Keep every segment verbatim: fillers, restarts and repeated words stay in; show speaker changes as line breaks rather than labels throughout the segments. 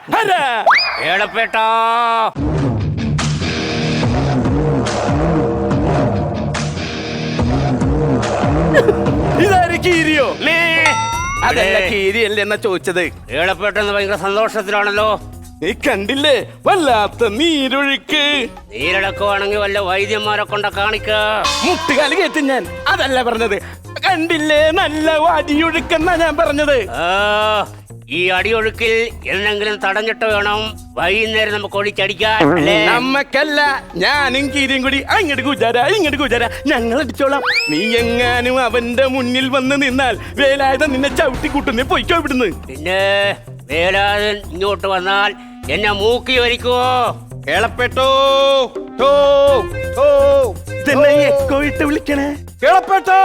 ഏളപ്പേട്ടാ
ഇതാര് കീരിയോ? അതല്ല കീരിയല്ലേ എന്നാ ചോദിച്ചത്.
ഏളപ്പേട്ടെന്ന് ഭയങ്കര സന്തോഷത്തിലാണല്ലോ.
നീ കണ്ടില്ലേ വല്ലാത്ത നീരൊഴുക്ക്.
നീരിളക്കുവാണെങ്കിൽ വല്ല വൈദ്യന്മാരെ കൊണ്ട കാണിക്ക.
മുട്ടുകാല് കയറ്റും ഞാൻ. അതല്ല പറഞ്ഞത്. കണ്ടില്ലേ നല്ല അടിയൊഴുക്കെന്നാ ഞാൻ പറഞ്ഞത്.
ഈ അടിയൊഴുക്കിൽ എന്തെങ്കിലും തടഞ്ഞിട്ട് വേണം വൈകുന്നേരം നമുക്ക് ഒഴിച്ചടിക്കാൻ.
നമ്മക്കല്ല, ഞാനും കീരിയും കൂടി അങ്ങോട്ട് കുജാര ഇങ്ങോട്ട് കുജാര ഞങ്ങൾ അടിച്ചോളാം. നീ എങ്ങാനും അവന്റെ മുന്നിൽ വന്ന് നിന്നാൽ വേലായുധൻ നിന്നെ ചവിട്ടി കൂട്ടുന്നേ പൊയ്ക്കോ ഇവിടുന്ന്.
പിന്നെ വേലായുധൻ ഇങ്ങോട്ട് വന്നാൽ എന്നെ മൂക്കി വരിക്കുവോ?
കേളപ്പെട്ടോ ഇതെന്നെ എക്കോ ഇട്ട് വിളിക്കണേ. കേളപ്പെട്ടോ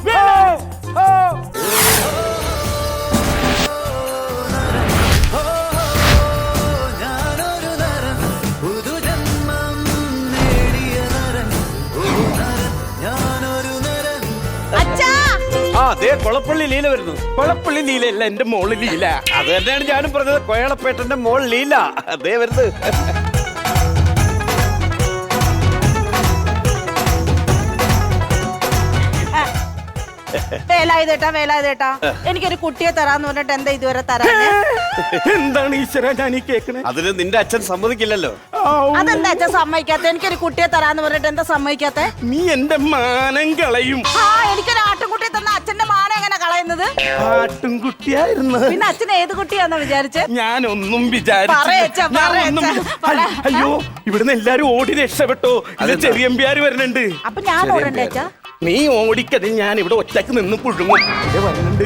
കൊളപ്പള്ളി ലീല വരുന്നു. കൊളപ്പള്ളി ലീലയല്ല, എന്റെ മോള് ലീല. അത് തന്നെയാണ് ഞാനും പറഞ്ഞത്. കോയളപ്പേട്ടന്റെ മോൾ ലീല അതേ വരുന്നത്.
വേലായുധേട്ടാ വേലായുധേട്ടാ എനിക്കൊരു കുട്ടിയെ തരാന്ന് പറഞ്ഞിട്ട് എന്താ ഇതുവരെ തരാ?
എന്താണ് ഈശ്വര ഞാൻ ഈ കേക്കണേ? അതിന് നിന്റെ അച്ഛൻ സമ്മതിക്കില്ലല്ലോ.
അതെന്താ അച്ഛൻ സമ്മതിക്കാത്ത? എനിക്കൊരു കുട്ടിയെ തരാന്ന് പറഞ്ഞിട്ട് എന്താ സമ്മതിക്കാത്ത?
നീ എന്റെ മാനം കളയും.
ആ എനിക്കൊരു ആട്ടുംകുട്ടിയെ തന്ന അച്ഛന്റെ മാനം എങ്ങനെ കളയുന്നത്?
ആട്ടുംകുട്ടിയായിരുന്നു.
പിന്നെ അച്ഛൻ ഏത് കുട്ടിയാന്നാ വിചാരിച്ചേ?
ഞാനൊന്നും വിചാരിച്ചു. അയ്യോ ഇവിടുന്ന് എല്ലാരും ഓടി രക്ഷപ്പെട്ടോ. ഇത് ചെറിയമ്പ്യാര് വരുന്നുണ്ട്.
അപ്പൊ ഞാൻ ഓടണ്ടേ അച്ഛാ?
നീ ഓടിക്കത്, ഞാൻ ഇവിടെ ഒറ്റക്ക് നിന്ന് പുഴുങ്ങും. വരുന്നുണ്ട്.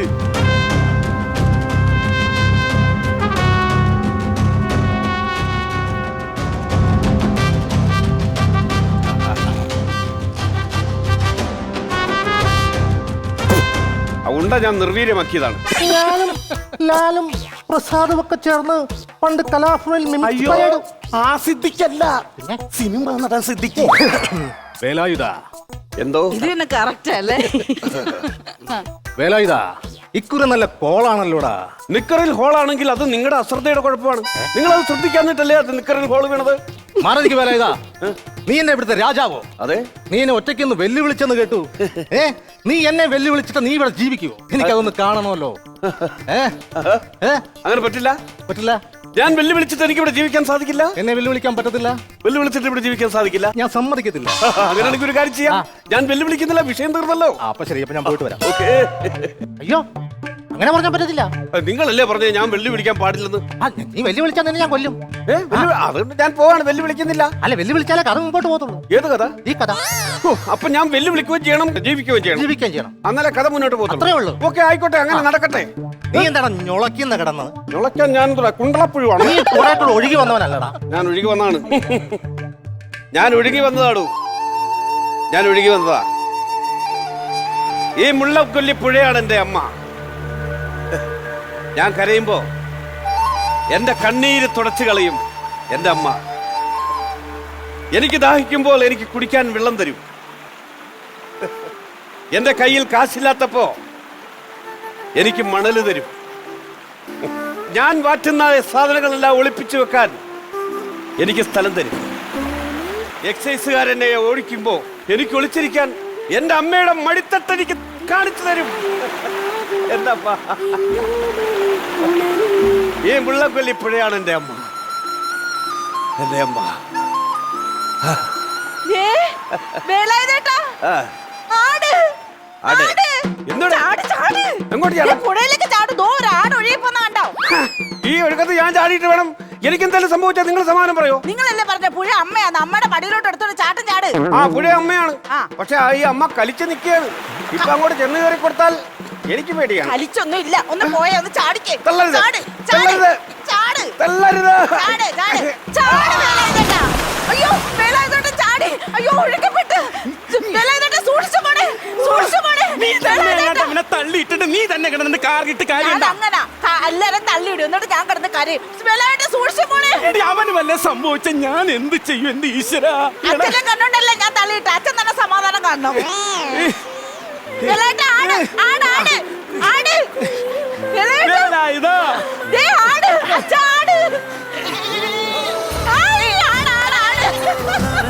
അതുകൊണ്ടാ ഞാൻ നിർവീര്യമാക്കിയതാണ്.
ഞാനും ലാലും പ്രസാദും ഒക്കെ ചേർന്ന് പണ്ട് കലാഭവനിൽ.
അയ്യോ ആ സിദ്ധിക്കല്ല, സിനിമ നടൻ സിദ്ധിക്ക്.
വേലായുധ
എന്തോ
ഇത് തന്നെ കറക്റ്റ് അല്ലേ?
വേലായുധ ഇക്കുറി നല്ല കോളാണല്ലോടാ.
നിക്കറിൽ ഹോളാണെങ്കിൽ അത് നിങ്ങളുടെ അശ്രദ്ധയുടെ കുഴപ്പമാണ്. നിങ്ങൾ അത് ശ്രദ്ധിക്കാന്നിട്ടല്ലേ അത് നിക്കറിൽ ഹോൾ വീണത്.
മാറിക്ക് വേലായുധ, നീ എന്നെ ഇവിടുത്തെ രാജാവോ?
അതെ.
നീ എന്നെ ഒറ്റയ്ക്കൊന്ന് വെല്ലുവിളിച്ചെന്ന് കേട്ടു. ഏ നീ എന്നെ വെല്ലുവിളിച്ചിട്ട് നീ ഇവിടെ ജീവിക്കുവോ? എനിക്കതൊന്ന് കാണണമല്ലോ. ഏ
അങ്ങനെ പറ്റില്ല.
പറ്റില്ല.
ഞാൻ വെല്ലുവിളിച്ചിട്ട് എനിക്ക് ഇവിടെ ജീവിക്കാൻ സാധിക്കില്ല.
എന്നെ വെല്ലുവിളിക്കാൻ പറ്റത്തില്ല.
വെല്ലുവിളിച്ചിട്ട് ഇവിടെ ജീവിക്കാൻ സാധിക്കില്ല.
ഞാൻ സമ്മതിക്കത്തില്ല.
അങ്ങനെയാണെങ്കിൽ ഒരു കാര്യം ചെയ്യാം. ഞാൻ വെല്ലുവിളിക്കുന്നില്ല, വിഷയം തീർന്നല്ലോ.
അപ്പൊ ശരി, അപ്പൊ ഞാൻ പോയിട്ട് വരാം.
ഓക്കേ.
അയ്യോ അങ്ങനെ പറഞ്ഞാൽ പറ്റത്തില്ല.
നിങ്ങളല്ലേ പറഞ്ഞേ ഞാൻ വെല്ലുവിളിക്കാൻ പാടില്ലെന്ന്?
നീ വെല്ലുവിളിച്ചാൽ തന്നെ ഞാൻ കൊല്ലും.
അതുകൊണ്ട് ഞാൻ പോവാണ്, വെല്ലുവിളിക്കുന്നില്ല.
അല്ല വെല്ലുവിളിച്ചാലേ കഥ മുമ്പോട്ട് പോകത്തുള്ളൂ.
ഏത് കഥ?
ഈ കഥ.
അപ്പൊ ഞാൻ വെല്ലുവിളിക്കുകയും ചെയ്യണം, ജീവിക്കുകയും ചെയ്യണം.
ജീവിക്കുകയും ചെയ്യണം.
അന്നേരം കഥ മുന്നോട്ട് പോകും.
അത്രേ ഉള്ളൂ.
ഓക്കെ ആയിക്കോട്ടെ, അങ്ങനെ നടക്കട്ടെ.
നീ എന്താണ് ഞൊളക്കുന്ന കിടന്നത്?
ഞൊളക്കാൻ ഞാൻ കുണ്ടളപ്പുഴുവാണ്.
നീ കുറെ കൂടെ ഒഴുകി വന്നവനല്ലടാ.
ഞാൻ ഒഴുകി വന്നതാണ്. ഞാൻ ഒഴുകി വന്നതാടു. ഞാൻ ഒഴുകി വന്നതാ. ഈ മുള്ളക്കൊല്ലി പുഴയാണ് എന്റെ അമ്മ. ഞാൻ കരയുമ്പോ എന്റെ കണ്ണീര് തുടച്ചു കളയും എന്റെ അമ്മ. എനിക്ക് ദാഹിക്കുമ്പോൾ എനിക്ക് കുടിക്കാൻ വെള്ളം തരും. എന്റെ കയ്യിൽ കാശില്ലാത്തപ്പോ എനിക്ക് മണല് തരും. ഞാൻ വാറ്റുന്ന സാധനങ്ങളെല്ലാം ഒളിപ്പിച്ചു വെക്കാൻ എനിക്ക് സ്ഥലം തരും. എക്സൈസുകാരെന്നെ ഓടിക്കുമ്പോ എനിക്ക് ഒളിച്ചിരിക്കാൻ എന്റെ അമ്മയുടെ മടിത്തട്ട് എനിക്ക് കാണിച്ചു തരും. എന്താ ഈ മുള്ളക്കൊല്ലി പുഴയാണ് എന്റെ അമ്മ. എന്റെ അമ്മ. ഈ ഒഴുക്കത്ത് ഞാൻ ചാടിയിട്ട് വേണം എനിക്ക് എന്തായാലും സംഭവിച്ചാൽ നിങ്ങൾ സമാനം പറയോ?
നിങ്ങളല്ലേ പറഞ്ഞ പുഴ അമ്മയാണ്, അമ്മയുടെ പടിയിലോട്ട് എടുത്തോണ്ട് ചാട്ടം ചാട്.
ആ പുഴ അമ്മയാണ്, പക്ഷെ ഈ അമ്മ കളിച്ചു നിൽക്കുകയാണ്. ഇപ്പൊ അങ്ങോട്ട് ചെന്ന് കയറി കൊടുത്താൽ എനിക്ക് പേടിയാണ്.
കളിച്ചൊന്നും ഇല്ല, ഒന്ന് പോയ ഒന്ന് ചാടിക്കേ. അയ്യോ വേലായുധേട്ടൻ ചാടി. അയ്യോ ഒഴുക്കപ്പെട്ട്. വേലായുധേട്ടൻ സൂക്ഷിച്ചു പോണേ, സൂക്ഷിച്ചു പോണേ.
തള്ളിയിട്ടിട്ട് നീ തന്നെ കിടന്നിട്ട് കാറിട്ട് കാര്യം
അങ്ങനെ എല്ലാരും തള്ളിയിടും, എന്നിട്ട് ഞാൻ കിടന്ന് കരയും. വേലായുധേട്ടൻ സൂക്ഷിച്ചു പോണേ.
അവന് വല്ല സംഭവിച്ച ഞാൻ എന്ത് ചെയ്യും എന്റെ ഈശ്വര?
അച്ഛനെ കണ്ടോണ്ടല്ലേ ഞാൻ തള്ളിയിട്ട്. അച്ഛൻ തന്നെ സമാധാനം കാണണം. ആടി, ആണ്, ആണ്, ആണ്.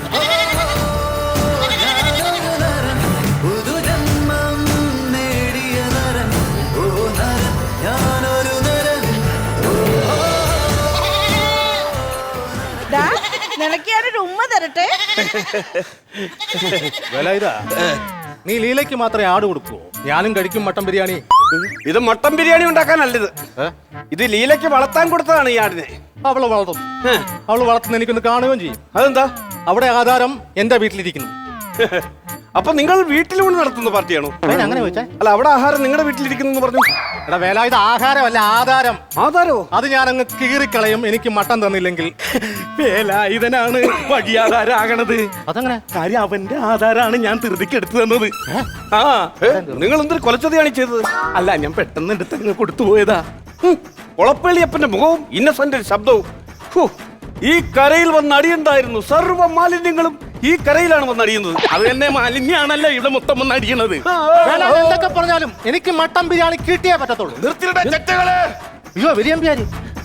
ദാ, നിനക്ക് ഞാനൊരു ഉമ്മ തരട്ടെ.
വേലായുധ, നീ ലീലയ്ക്ക് മാത്രമേ ആട് കൊടുക്കുവോ? ഞാനും കഴിക്കും മട്ടൻ ബിരിയാണി.
ഇത് മട്ടൻ ബിരിയാണി ഉണ്ടാക്കാനല്ലിത്.
ഏ?
ഇത് ലീലയ്ക്ക് വളർത്താൻ കൊടുത്തതാണ് ഈ ആടിനെ.
അവള് വളർത്തും. അവള് വളർത്തുന്ന എനിക്കൊന്ന് കാണുകയും ചെയ്യും.
അതെന്താ?
അവിടെ ആധാരം എന്റെ വീട്ടിലിരിക്കുന്നു.
അപ്പൊ നിങ്ങൾ വീട്ടിലൂടെ നടത്തുന്ന പാർട്ടിയാണോ?
അതിന് അങ്ങനെ ചോദിച്ചേ?
അല്ല, അവിടെ ആഹാരം നിങ്ങളുടെ വീട്ടിലിരിക്കുന്നു പറഞ്ഞു.
എടാ വേലായുധ, ആഹാരമല്ല ആധാരം.
ആധാരോ?
അത് ഞാൻ അങ്ങ് കീറിക്കളയും എനിക്ക് മട്ടൻ തന്നില്ലെങ്കിൽ.
വേലായുധനാണ് വഴിയാധാരാകണത്.
അതങ്ങനെ?
കാര്യം അവന്റെ ആധാരാണ് ഞാൻ ധൃതിക്ക് എടുത്തു തന്നത്. ആ നിങ്ങൾ എന്തൊരു കൊലച്ചതയാണ് ചെയ്തത്? അല്ല, ഞാൻ പെട്ടെന്ന് എടുത്ത് അങ്ങ് കൊടുത്തു പോയതാ. കൊളപ്പള്ളിയപ്പന്റെ മുഖവും ഇന്നസെന്റ് ശബ്ദവും. ഹോ, ഈ കരയിൽ വന്ന് അടിയുണ്ടായിരുന്നു. സർവ്വ മാലിന്യങ്ങളും ഈ കരയിലാണ് വന്ന് അടിയുന്നത്. അത് തന്നെ മാലിന്യാണല്ലോ ഇവിടെ മൊത്തം വന്ന് അടിയണത്.
വേലായുധ എന്തൊക്കെ പറഞ്ഞാലും എനിക്ക് മട്ടൻ ബിരിയാണി കിട്ടിയേ പറ്റത്തുള്ളൂ.
നിർത്തിയുടെ ചെറ്റകളെ.
അയ്യോ ബിരിയാണി ബിരിയാണി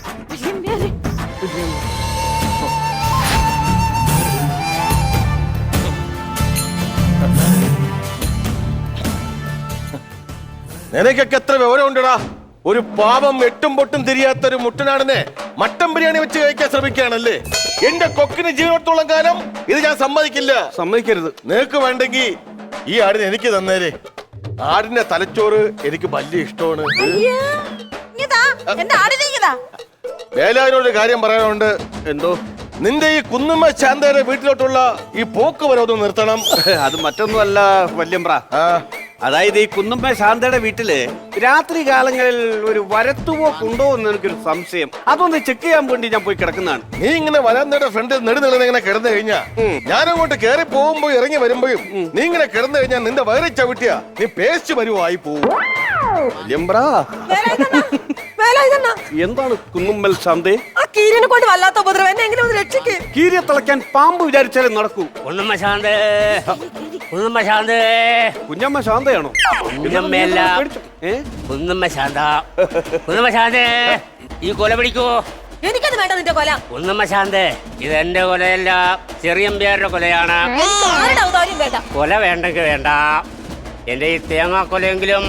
നിനക്കൊക്കെ എത്ര വിവരം ഉണ്ടടാ? ഒരു പാവം എട്ടും പൊട്ടും തിരിയാത്ത ഒരു മുട്ടനാടിനെ മട്ടൻ ബിരിയാണി വെച്ച് കഴിക്കാൻ ശ്രമിക്കുകയാണല്ലേ? എന്റെ കൊക്കിന് ജീവനത്തോളം കാലം ഇത് ഞാൻ സമ്മതിക്കില്ല.
സമ്മതിക്കരുത്.
നിനക്ക് വേണ്ടെങ്കിൽ ഈ ആടിനെ എനിക്ക് തന്നേരെ. ആടിന്റെ തലച്ചോറ് എനിക്ക് വലിയ ഇഷ്ടമാണ്.
അയ്യോ, ഇങ്ങതാ, എന്റെ ആടിനെ ഇങ്ങതാ.
വേലാവിനോട് കാര്യം പറയാനുണ്ട്.
എന്തോ?
നിന്റെ ഈ കുന്നുമ്മ ശാന്തയുടെ വീട്ടിലോട്ടുള്ള ഈ പോക്ക് വരവ് നിർത്തണം.
അത് മറ്റൊന്നുമല്ല വല്യമ്പ്ര.
ആ
അതായത് ഈ കുന്നമ്മ ശാന്തയുടെ വീട്ടില് രാത്രി കാലങ്ങളിൽ ഒരു വരത്തുപോക്കുണ്ടോ എന്ന് എനിക്കൊരു സംശയം. അതൊന്ന് ചെക്ക് ചെയ്യാൻ വേണ്ടി ഞാൻ പോയി കിടക്കുന്നതാണ്.
നീ ഇങ്ങനെ വരാന്തയുടെ ഫ്രണ്ടിൽ നെടുനിളന്ന് ഇങ്ങനെ കിടന്നു കഴിഞ്ഞാ ഞാനങ്ങോട്ട് കയറി പോകുമ്പോ ഇറങ്ങി വരുമ്പോഴും നീ ഇങ്ങനെ കിടന്നു കഴിഞ്ഞാൽ നിന്റെ വയറി ചവിട്ടിയാ നീ പേസ്റ്റ് വരുവായി പോവും.
വല്യമ്പ്ര,
വേലായുധണ്ണ,
എന്താണ് കുന്നുമ്മൽ ശാന്തേ?
ആ കീരിനെ കൊണ്ട് വല്ലാത്ത ഉപദ്രവം, എന്നെ എങ്ങനെ ഒന്ന് രക്ഷിക്ക്.
കീരിയെ തിളയ്ക്കാൻ പാമ്പ് വിചാരിച്ചാലേ നടക്കൂ.
കുന്നുമ്മ ശാന്തേ, കുന്നുമ്മ ശാന്തേ.
കുഞ്ഞമ്മ ശാന്തയാണോ?
കുഞ്ഞമ്മയല്ല,
ഏ?
കുന്നുമ്മ ശാന്ത. കുന്നുമ്മ ശാന്തേ, ഈ കൊല പിടിക്കൂ.
എനിക്കത് വേണ്ട നിന്റെ കൊല.
കുന്നുമ്മ ശാന്തേ, ഇത് എന്റെ കൊലയല്ല, ചെറിയമ്പ്യാരുടെ കൊലയാണ്.
എനിക്ക് ആരുടെ ഔദാര്യം വേണ്ട.
കൊല വേണ്ടെങ്കിൽ വേണ്ട, എന്റെ ഈ തേങ്ങാക്കൊലയെങ്കിലും.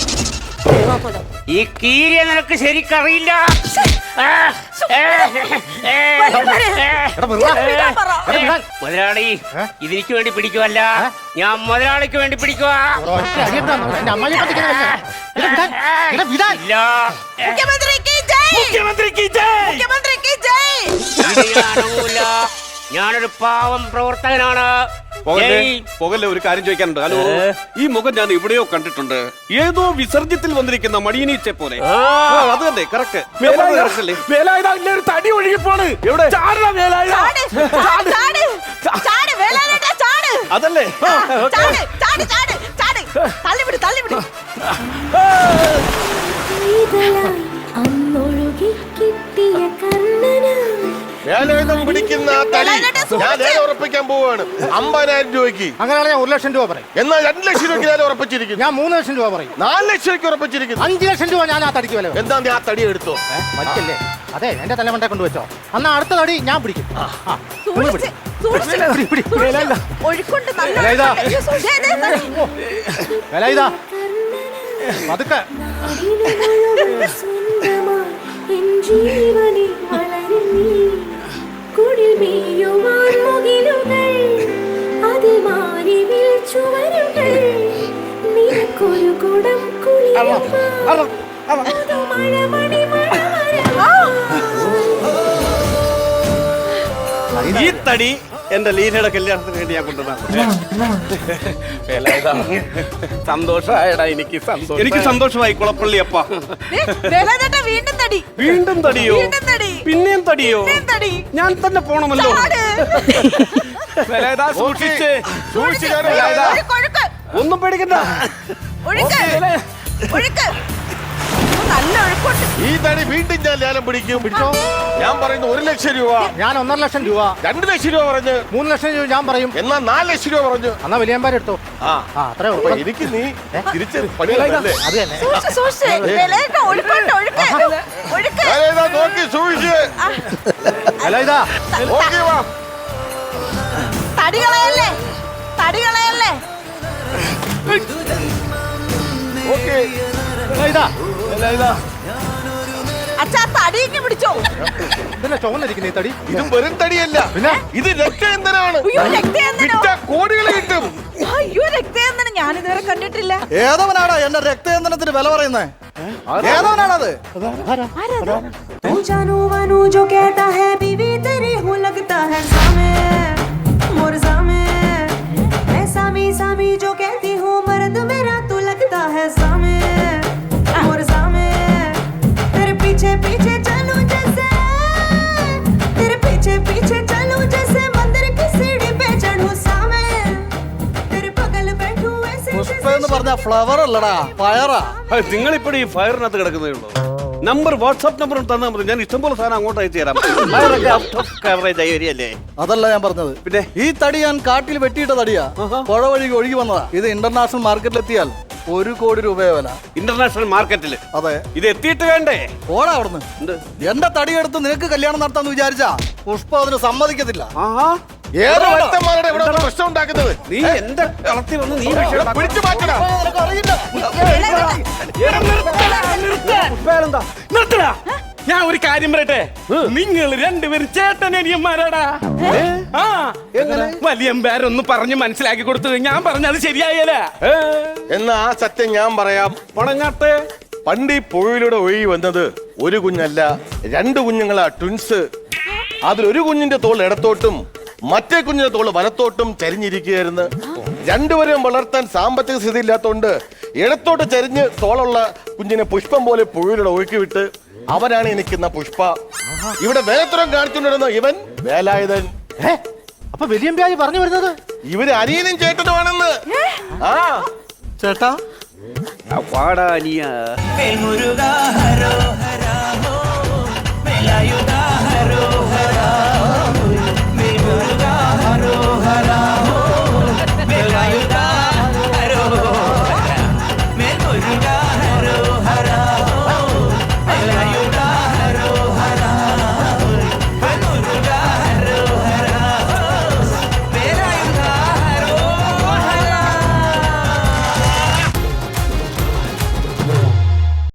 ഈ കീരിയെ നിനക്ക് ശരിക്കറിയില്ല. ആ, ഏ, ഏ, മുതലാളി, ഇതിനിക്ക് വേണ്ടി പിടിക്കുവല്ല, ഞാൻ മുതലാളിക്ക് വേണ്ടി പിടിക്കുവാ. ഇല്ല,
മുഖ്യമന്ത്രിക്ക് ജയ്.
മുഖ്യമന്ത്രിക്ക് ജയ്.
മുഖ്യമന്ത്രിക്ക് ജയ്.
ഇത് ഞാൻ അണങ്ങൂല. ഞാനൊരു പാവം പ്രവർത്തകനാണ്.
പോകല്ലേ,
ജയ്.
പോകല്ലേ, ഒരു കാര്യം ചോദിക്കാനുണ്ട്. ഹലോ, ഈ മുഖം ഞാൻ എവിടെയോ കണ്ടിട്ടുണ്ട്. ഏതോ വിസർജ്യത്തിൽ വന്നിരിക്കുന്ന മടിയനീച്ചെ പോലെ.
ആ.
ആ, അത് തന്നെ, കറക്റ്റ്.
തടി ഒഴുകിപ്പോണ്.
എവിടെ?
ചാട്, ചാട്, ചാട്, ചാട്, വേലായുധ, ചാട്.
അതല്ലേ?
ചാട്, ചാട്, ചാട്, ചാട്. തള്ളിവിട്, തള്ളിവിട്.
അന്നൊഴുകി കിട്ടിയ കണ്ണനാ
വേലായുധം പിടിക്കുന്ന ആ തടി ഞാൻ നേരെ ഉറപ്പിക്കാൻ പോവാണ്. അമ്പതിനായിരം രൂപയ്ക്ക്.
അങ്ങനെയാണെങ്കിൽ ഞാൻ ഒരു ലക്ഷം രൂപ പറയും.
എന്നാൽ രണ്ട് ലക്ഷം രൂപയ്ക്ക് ഞാൻ ഉറപ്പിച്ചിരിക്കുന്നു.
ഞാൻ മൂന്ന് ലക്ഷം രൂപ പറയും.
നാല് ലക്ഷം രൂപയ്ക്ക് ഉറപ്പിച്ചിരിക്കുന്നു.
അഞ്ച് ലക്ഷം രൂപ ഞാൻ ആ തടിക്ക് വില.
എന്താ നീ ആ തടി എടുത്തോ?
വലിക്കല്ലേ? അതെ, എന്റെ തലമണ്ടെ കൊണ്ടുവച്ചോ. അന്നാ അടുത്ത തടി ഞാൻ പിടിക്കും. ആ, ആ. നിങ്ങൾ
സൂക്ഷിച്ച്,
പിടി.
സൂക്ഷിച്ച്,
പിടി, പിടി.
സൂക്ഷിച്ച്. ഒഴുക്കുണ്ട്, നല്ല
വേലായുധ.
ഒഴുക്കുണ്ട്. ദേ, ദേ, ദേ.
വേലായുധ, പതുക്കെ.
എൻ ജീവനിൽ വളരും നീ കുടിൽ മേയുവാൻ മുകിലുകൾ അതിൽ മാറിവിൽ ചുവരുകൾ നിനക്കൊരു കുടം കുളിരുവാൻ അത് മഴമണി മഴമഴ.
ഈ തടി എന്റെ ലീലയുടെ കല്യാണത്തിന് വേണ്ടി ഞാൻ കൊണ്ടുവന്നാ.
സന്തോഷമായടാ എനിക്ക്. സന്തോഷം.
എനിക്ക് സന്തോഷമായി കുളപ്പള്ളി അപ്പ.
ദേ, വേലായുധേട്ടാ, വീണ്ടും തടി.
വീണ്ടും തടിയോ?
വീണ്ടും തടി.
പിന്നെയും തടിയോ?
പിന്നെയും തടി.
ഞാൻ തന്നെ പോണമല്ലോ.
ചാട്.
വേലായുധ, സൂക്ഷിച്ച്
സൂക്ഷിച്ച്
ഒഴുക്ക്, ഒഴുക്ക്,
ഒന്നും പേടിക്കണ്ട.
ഒഴുക്ക്, ഒഴുക്ക്. ഒന്ന് നല്ല ഒഴുക്കുണ്ട്.
ഈ തടി വീണ്ടും ഞാൻ ലേലം പിടിക്കും.
പിടിച്ചോ.
ഞാൻ പറയുന്നു ഒരു ലക്ഷം രൂപ.
ഞാൻ ഒന്നര ലക്ഷം രൂപ,
രണ്ട് ലക്ഷം രൂപ പറഞ്ഞ്,
മൂന്ന് ലക്ഷം രൂപ ഞാൻ പറയും.
എന്നാ നാല് ലക്ഷം രൂപ പറഞ്ഞു.
എന്നാ വലിയമ്പാരെ എടുത്തോ.
ആ
ആ അത്രേ
അപ്പൊ
ഉള്ളൂ.
എനിക്ക് നീ തിരിച്ച് പണിയല്ലേ?
അത് തന്നെ.
സൂക്ഷിച്ച്, സൂക്ഷിച്ച്. വേലായുധ, ഒഴുക്കുണ്ട്, ഒഴുക്ക്. ഒഴുക്ക്.
വേലായുധ, നോക്കി സൂക്ഷിച്ച്
അല്ല ഇതാ
നോക്കി വാ.
തടി കളയല്ലേ, തടി കളയല്ലേ.
ഓക്കേ.
ഇതാ
വേലായുധ,
അച്ഛാ തടിയൊക്കെ പിടിച്ചോ.
ഇതന്നെ ചുവന്നിരിക്കുന്ന ഈ തടി.
ഇത് വെറും തടിയല്ല,
പിന്നെ?
ഇത് രക്തയന്തനാണ്.
അയ്യോ, രക്തയന്തനോ?
വിറ്റ കോടികൾ കിട്ടും.
അയ്യോ, രക്തയന്തനം ഞാൻ ഇതുവരെ കണ്ടിട്ടില്ല.
ഏതവനാടാ എന്റെ രക്തയന്ത്രത്തിന് വില പറയുന്നേ? ഏതവനാണത്?
तू जानू वानू जो कहता है बीवी तेरी हूँ लगता है सामे मोर सामे मैं सामी सामी जो कहती हूँ मर्द मेरा तू लगता है सामे मोर सामे तेरे पीछे पीछे चलूं जैसे तेरे पीछे पीछे चलूं जैसे मंदिर की सीढ़ी पे चढ़ूं सामे तेरे बगल बैठूं ऐसे
പുഷ്പ എന്ന് പറഞ്ഞ ഫ്ലവർ അല്ലടാ, പയറാ.
നിങ്ങളിപ്പോഴും ഈ ഫയറിനകത്ത് കിടക്കുന്നേ ഉള്ളൂ. നമ്പർ വാട്സാപ്പ് നമ്പർ തന്നാൽ മതി, ഞാൻ ഇഷ്ടംപോലെ സാധനം അങ്ങോട്ട് അയച്ചു തരാം. ഫയറൊക്കെ ഔട്ട് ഓഫ് കവറേജ് ഏരിയ അല്ലേ?
അതല്ല ഞാൻ പറഞ്ഞത്.
പിന്നെ?
ഈ തടി ഞാൻ കാട്ടിൽ വെട്ടിയിട്ട തടിയാ, പുഴ വഴി ഒഴുകി വന്നതാ. ഇത് ഇന്റർനാഷണൽ മാർക്കറ്റിൽ എത്തിയാൽ ഒരു കോടി രൂപയെ വില.
ഇന്റർനാഷണൽ മാർക്കറ്റിൽ
അതെ.
ഇത് എത്തിയിട്ട് വേണ്ടേ?
ഓടാ അവിടുന്ന്. എന്റെ തടിയെടുത്ത് നിനക്ക് കല്യാണം നടത്താന്ന് വിചാരിച്ചാ പുഷ്പ അതിന് സമ്മതിക്കത്തില്ല.
ആഹാ,
ഏത് ഭക്തന്മാരുടെ ഇവിടെ വന്ന് പ്രശ്നം ഉണ്ടാക്കുന്നത്?
നീ എന്റെ കളത്തിൽ വന്ന് നീ വിഷയം
പിടിച്ചു മാറ്റണം.
നിനക്ക് അറിയില്ല.
നിർത്തടാ, നിർത്തടാ. ഞാൻ ഒരു കാര്യം പറയട്ടെ, നിങ്ങൾ രണ്ടുപേരും ചേട്ടനനിയന്മാരാടാ. ആ, വലിയമ്പാരൊന്ന് പറഞ്ഞ് മനസ്സിലാക്കി കൊടുത്തത് ഞാൻ പറഞ്ഞത് ശരിയായല്ല.
എന്നാ ആ സത്യം ഞാൻ പറയാം.
പണങ്ങാട്ടെ.
പണ്ട് ഈ പുഴയിലൂടെ ഒഴുകി വന്നത് ഒരു കുഞ്ഞല്ല, രണ്ട് കുഞ്ഞുങ്ങളാ, ട്വിൻസ്. അതിലൊരു കുഞ്ഞിന്റെ തോൾ ഇടത്തോട്ടും മറ്റേ കുഞ്ഞിന്റെ തോള് വലത്തോട്ടും ചരിഞ്ഞിരിക്കുകയായിരുന്നു. രണ്ടുപേരും വളർത്താൻ സാമ്പത്തിക സ്ഥിതി ഇല്ലാത്തോണ്ട് ഇടത്തോട്ട് ചരിഞ്ഞ് തോളുള്ള കുഞ്ഞിനെ പുഷ്പം പോലെ പുഴയിലൂടെ ഒഴുക്കി വിട്ട് അവനാണ് എനിക്കുന്ന പുഷ്പ. ഇവിടെ വേലത്തുറം കാണിച്ചുകൊണ്ടിരുന്ന ഇവൻ വേലായുധൻ.
അപ്പൊ വലിയമ്പായി പറഞ്ഞു വരുന്നത്
ഇവര് അനിയനും ചേട്ടനുമാണെന്ന്. ആ
ചേട്ടാ
പാടാനിയ
മുരുകാ ഹരോ ഹരാ ഹോ മേലായു